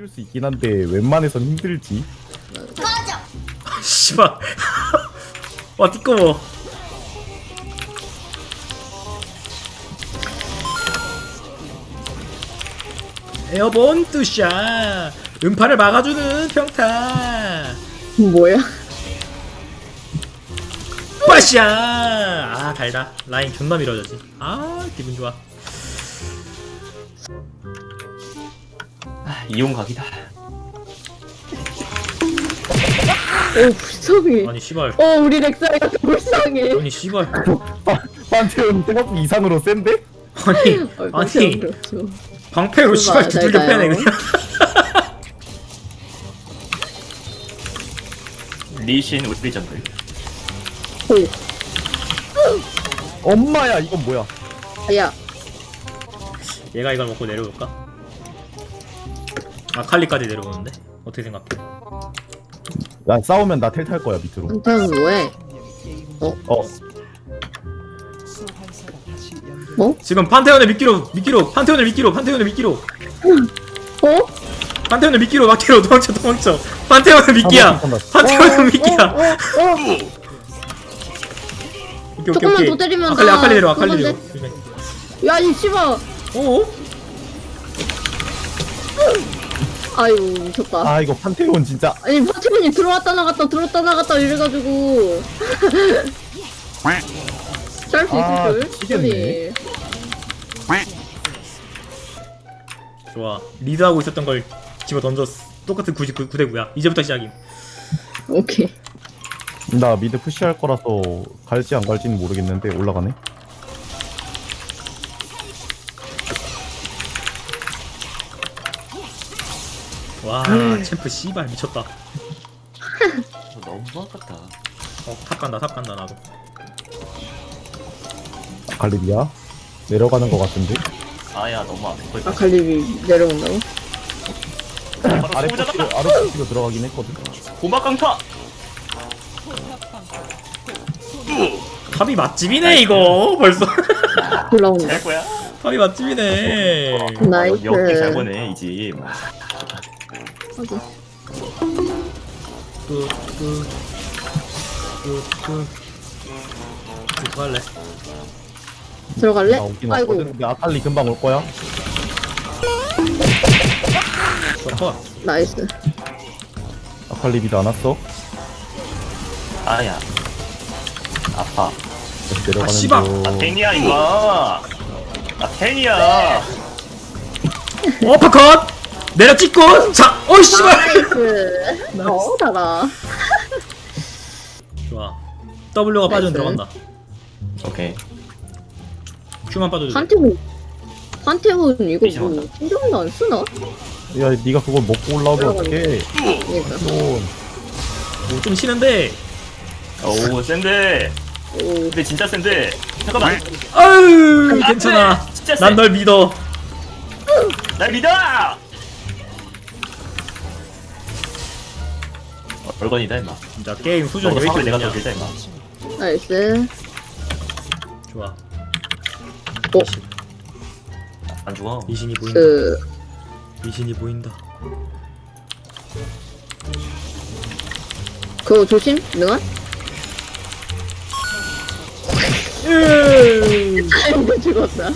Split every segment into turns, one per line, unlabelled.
쉬울 수 있긴 한데 웬만해선 힘들지.
씨발. 와 띠꺼워. 에어본 뚜샤. 음파를 막아주는 평타.
뭐야?
빠샤. 아 달다. 라인 존나 밀어졌지. 아 기분 좋아.
이용 각이다.
오 불쌍해.
아니 씨발.
우리 렉사이가 더 불쌍해.
아니 씨발.
판테온 생각보다 이상으로 센데?
아니 아니
그렇죠.
방패로 씨발
잘
두들겨
가요.
패네 그냥.
리신 우리 정글.
엄마야 이건 뭐야?
야,
얘가 이걸 먹고 내려올까? 아칼리까지 내려오는데? 어떻게 생각해?
야 싸우면 나 텔 탈 거야 밑으로.
한타는 뭐해?
어
지금 판테온을 미끼로 판테온을 미끼로
어?
판테온을 미끼로 막대로 도망쳐 판테온은 미끼야 판테온은 미끼야
조금만 더 때리면
아칼리 내려
그건데. 야, 이 씨발.
어?
아유, 미쳤다.
아 이거 판테온 진짜.
아니, 파티분이 들어왔다 나갔다 이래가지고. 짤 수
아,
있을 줄.
미치겠네.
좋아 리드하고 있었던 걸 집어 던졌어 똑같은 99대 9야 이제부터 시작임
오케이.
나 미드 푸시할 거라서 갈지 안 갈지는 모르겠는데 올라가네.
와 챔프 씨발 미쳤다
너무 아깝다.
탑 간다 나도
갈리비야 내려가는 거 같은데.
아야 너무 아플 거.
아칼리비 내려온다고?
아래
바로
푸시로 아래 푸시로 들어가긴 했거든.
고막 강타.
탑이 맛집이네 이거 벌써
올라온다.
잘 거야.
탑이 맛집이네
나이스.
역대 잘 보네 이 집.
하긴.
들어갈래
들어갈래?
나 오긴
아이고.
왔거든. 근데 아칼리 금방 올 거야.
컷
나이스.
아칼리 미드 안 왔어.
아야. 아파.
다시 내려가는
씨발.
중.
아 탱이야 이거. 아 탱이야.
어퍼컷 내려 찍고 자 어이 씨발
나이스. 달아.
좋아 W가 빠지면
나이스.
들어간다
오케이.
Q만 빠져도 돼
판테온 이거
미션
뭐
왔다.
신경도 안 쓰나?
야 네가 그걸 먹고 올라오면 어떡해.
그러니까.
좀 쉬는데
오 센데.
오.
근데 진짜 센데. 잠깐만.
아유 괜찮아
진짜 세.
난 널 믿어
날 믿어. 얼건이다 임마.
진짜 게임 수준이
너도
왜
사고
이렇게
내가
높냐
더 길다 임마.
나이스.
좋아
안 죽어.
미신이 보인다 미신이 보인다
그거 조심. 능아? 아이고 죽었다.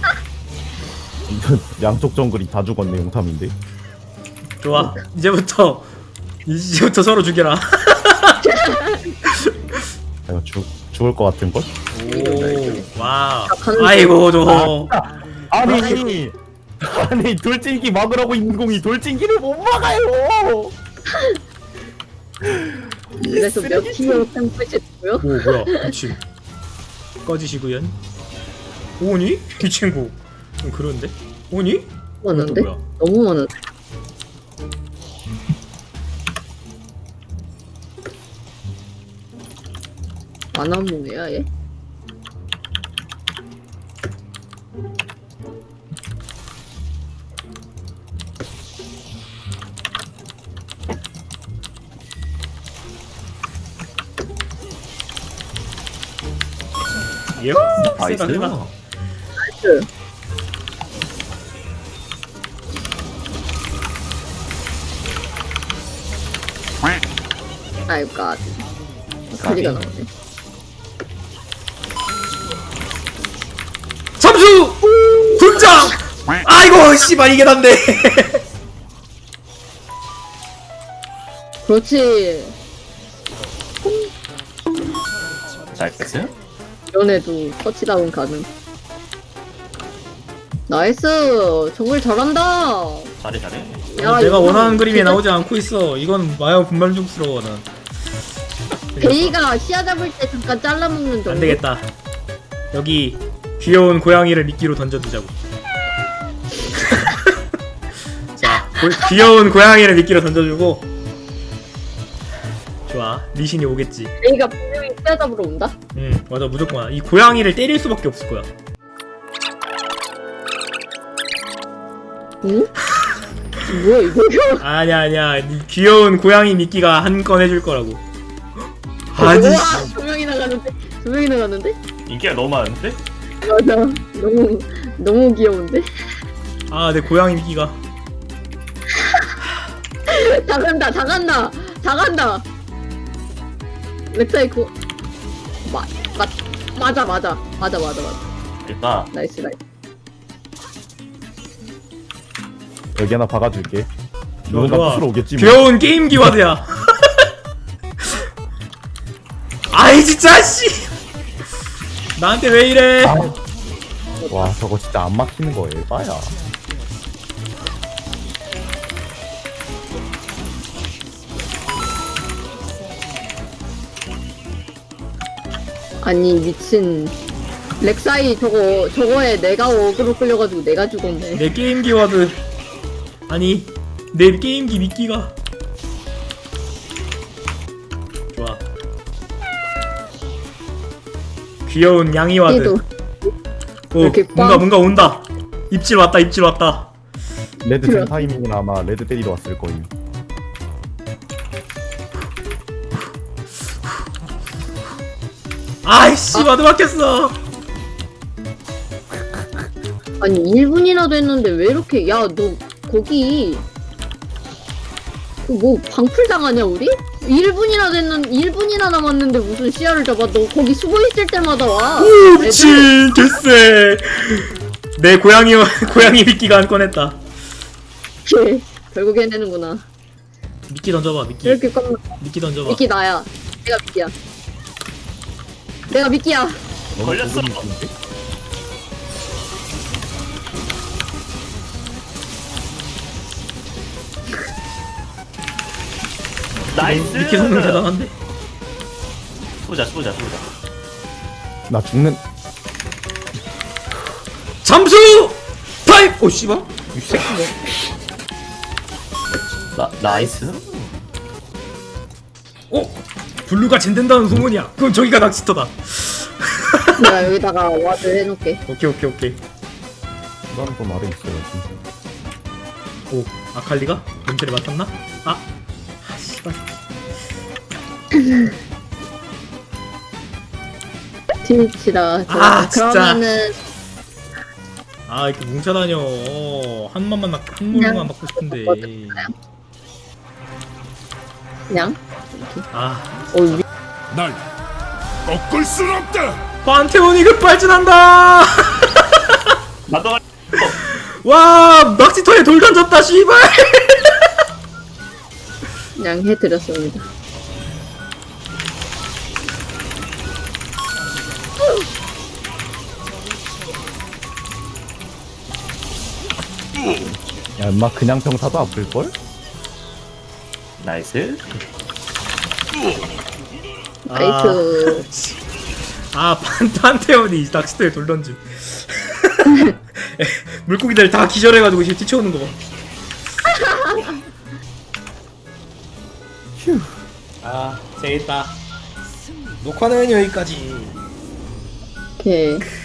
이건 양쪽 정글이 다 죽었네. 용탐인데.
좋아 이제부터 서로 죽여라
아, 죽을 것 같은 걸?
오 와우
가는
아이고 저
아니 돌진기 막으라고 있는 공이 돌진기를 못 막아요.
그래서 몇 킬로 템플릿고요?
오 뭐야 미친 꺼지시구연 오니? 이 친구 좀 그런데? 오니?
많은데?
뭐야?
너무 많은데? 만화몽이야 얘?
예?
나이스.
세다 세다
나이스. 아이고 소리가 나오네.
잠수 등장. 아이고 씨발 이게 난데.
그렇지.
나이스.
연애도 터치다운 가능. 나이스. 정글 잘한다.
잘해 잘해.
야,
내가
이거
원하는 그림이
진짜
나오지 않고 있어. 이건 마요 분만족스러워 난.
베이가 시야 잡을 때 잠깐 잘라먹는 정도.
안 되겠다. 여기 귀여운 고양이를 미끼로 던져두자고. 자, 귀여운 고양이를 미끼로 던져주고. 좋아, 리신이 오겠지.
베이가 분명히 시야 잡으러 온다.
응, 맞아, 무조건. 이 고양이를 때릴 수밖에 없을 거야.
응? 뭐야 이거?
아니야, 이 귀여운 고양이 미끼가 한 건 해줄 거라고. 아니,
우와, 조명이 나가는데? 조명이 나가는데?
인기가 너무 많은데?
맞아. 너무 귀여운데?
아, 내 고양이 미끼가.
다 간다. 렉사이 그 맞아.
일단
나이스.
여기 하나 박아줄게.
좋아,
누군가
좋아.
부수러 오겠지 뭐.
귀여운 게임기 와드야. 아이 진짜 씨. 나한테 왜 이래?
와 저거 진짜 안 막히는 거 에바야.
아니 미친 렉사이 저거에 내가 어그로 끌려가지고 내가 죽었네.
내 게임기 와드. 아니 내 게임기 미끼가. 좋아. 귀여운 양이 와드.
얘도
오,
이렇게
뭔가 온다. 입질 왔다.
레드
그래.
젠 타이밍은 아마 레드 때리러 왔을 거임.
아이씨 와드 막혔어.
아니 1분이나 됐는데 왜 이렇게 야 너 거기 뭐 방풀 당하냐 우리? 1분이나 남았는데 무슨 시야를 잡아. 너 거기 숨어 있을 때마다 와.
오 미친 개쎄. 내 고양이 미끼가 한 건 했다.
걔 결국 해내는구나.
미끼 던져봐 미끼.
이렇게 깜
미끼 던져봐.
미끼 나야. 내가 미끼야.
걸렸어. 나이스.
미끼 성능 대단한데.
보자.
나 죽는.
잠수 타임. 오 씨발. 이 새끼가.
나이스.
블루가 젠된다는 소문이야. 그럼 저기가 낚시터다.
내가 여기다가 와드 해놓게.
오케이.
나는 좀 아래 있어야지.
오 아칼리가 냄새를 맡았나? 아 씨발.
트위치다.
아, 진짜.
그러면은
아 이렇게 뭉쳐다녀. 한 물만 맞고 싶은데.
그냥
아
위
날 꺾을 순 없다.
판테온이 급발진한다.
나도
와 낚시터에 돌 던졌다 씨발.
그냥 해드렸습니다.
야 엄마 그냥 평타도 아플걸?
나이스.
나이스.
아 판테온이 낚시터에 돌 던짐. 물고기들 다 기절해가지고 지금 뛰쳐오는 거 봐. 아 재밌다. 녹화는 여기까지.
오케이.